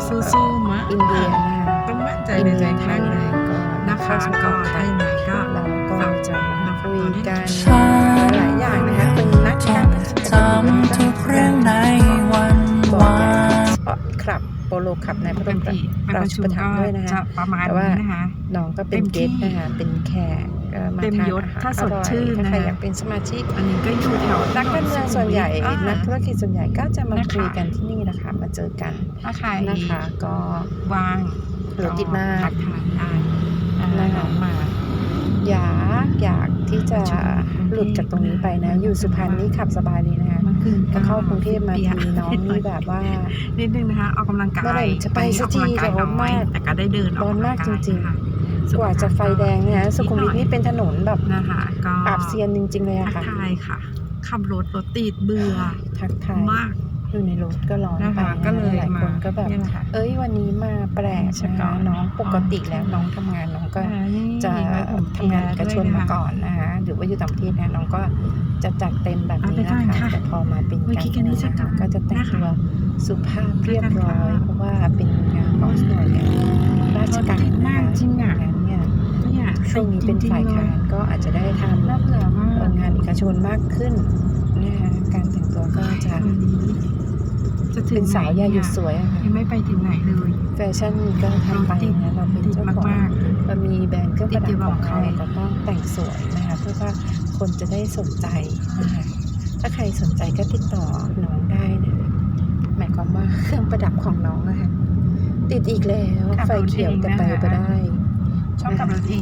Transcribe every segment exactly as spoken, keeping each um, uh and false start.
สู้ๆมะอินเดียนะคะต้องมั่นใจอินในเดีใจยไทข้างยในก็นะคะก็ถ้าอย่างไรก็เราก็จะมาคุยกันหลายอย่างนะคะเป็นนักการพัฒนาทำทุกเรื่องในวันบอวาร์ดนสปอร์ตคลับโปโลคลับในพระบรมไปราประชูชุปมถัมก็ภ์ด้วยนะคะจะประมาณแต่ว่านี้นะคะน้องก็เป็นเต็เกมสที่นะคะเป็นแขกก็มาเต็มทานยศอาหารถ้าอสดร่อยชื่นถ้านะใครคะอยากเป็นสมาชิกอันนี้ก็อยู่แถวนักการเมืองส่วนใหญ่อ่านักธุรกิจส่วนใหญ่ก็จะมานะคะคุยกันที่นี่นะคะมาเจอกันถ้าใครนะคะก็ว่างรถติดมากทักทายได้นะคะมาอยากอยากที่จะหลุดจากตรงนี้ไปนะ อยู่สุพรรณนี่ขับสบายเลยนะคะเมื่อคืนพอเข้ากรุงเทพมาปีทีน้องนี่แบบว่านิดนึงนะคะออกกำลังกายเมื่อไหร่จะไปสักทีวันนี้ออกกำลังกายร้อนมากน้อยแต่ก็ได้เดินออกร้อนมากำลังจริงๆค่ะกว่าจะไฟแดงเนี่ยนะสุขุมวิทนี่เป็นถนนแบบนะคะก็ปราบเซียนจริงๆเลยทัอะกค่ะทายค่ะ ขับรถรถติดเบื่อทักทายมากอยู่ในรถก็ร้อนนะไปคะนะก็เลยหลายคนก็แบบเนี่ยนะคะเอ้ยวันนี้มาแปลกใช่นะก่อคะนน้องปกติแล้วน้องทำงานน้องก็ จะทำงานเอกชนมาก่อนนะคะหรือว่าอยู่ต่างประเทศนะน้องก็จะจัดเต็มแบบนี้นะคะแต่พอมาเป็นการนะคะก็จะแต่งตัวสุภาพเรียบร้อย เพราะว่าเป็นงานของหน่วยงานราชการนะคะงั้นเนี่ยเนี่ยช่วงนี้เป็นฝ่ายค้านก็อาจจะได้ทำน่าเบื่อมากเอ่องานเอกชนมากขึ้นนะคะการแต่งตัวก็จะวันนี้จะถึงเป็นสาวไหนยาหยุดเนี่สวยอะค่ะยังไม่ไปถึงไหนเลยแฟชั่นก็ทำไปนะเราเป็นเจ้าของมากเรามีแบรนด์เครื่องประดับของติดอยู่กับใครเราก็ต้องแต่งสวยนะคะเพื่อว่าคนจะได้สนใจนะคะถ้าใครสนใจก็ติดต่อน้องได้นะหมายความว่าเครื่องประดับของน้องนะคะติดอีกแล้วไฟเขียวแต่ไปไปได้ชอบขับรถเอง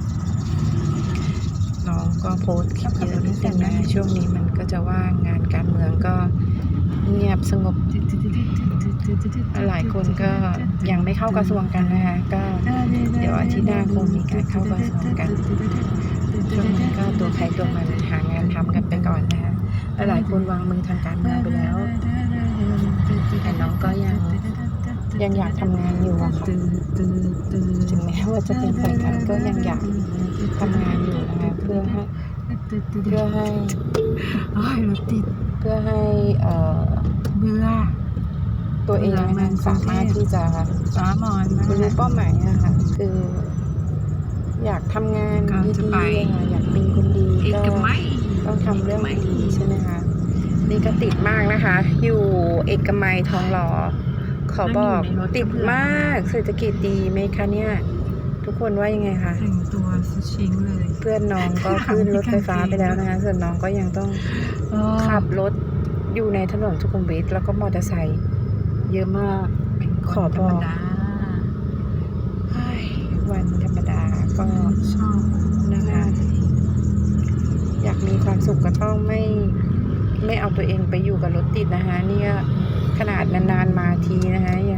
น้องก็โพสต์คลิปเยอะนิดนึงนะช่วงนี้มันก็จะว่างงานการเมืองก็เงียบสงบหลายคนก็ยังไม่เข้ากระทรวงกันนะคะก็เดี๋ยวอาทิตย์หน้าคงมีการเข้ากระทรวงกันช่วงนี้ก็ตัวใครตัวมันหางานทำกันไปก่อนนะคะหลายคนวางมือทางการเมืองไปแล้วแต่น้องก็ยังยังอยากทำงานอยู่อะค่ะถึงแม้ว่าจะเป็นฝ่ายค้านก็ยังอยากทำงานอยู่นะคะเพื่อให้เพื่อให้โอ้ยรถติดเพื่อให้เอ่อเบื่อตัวเองนะคะสามารถที่จะฟ้ามอนมาบรรลุเป้าหมายนะคะคือ อยากทำงานก็ดีจะไปๆค่ะอยากเป็นคนดีอีกก็ไม่ต้องทำเรื่องดีๆใช่ไหมคะนี่ก็ติดมากนะคะ อยู่เอกมัยทองหล่อขอบอกติดมากเศรษฐกิจดีไหมคะเนี่ยทุกคนว่ายังไงคะแต่งตัวสุดชิงเลยเพื่อนน้องก็ขึ้นรถไฟฟ้าไปแล้วนะคะส่วนน้องก็ยังต้องขับรถอยู่ในถนนสุขุมวิทแล้วก็มอเตอร์ไซค์เยอะมากเป็นคนขอธบรอรมกดาเฮ้ยวันธรรมดาก็ชอบนะคะ อยากมีความสุขก็ต้องไม่ไม่เอาตัวเองไปอยู่กับรถติดนะคะเนี่ยขนาดนานๆมาทีนะคะยัง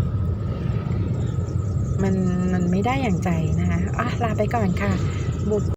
มันมันไม่ได้อย่างใจนะคะอ่ะลาไปก่อนค่ะบุก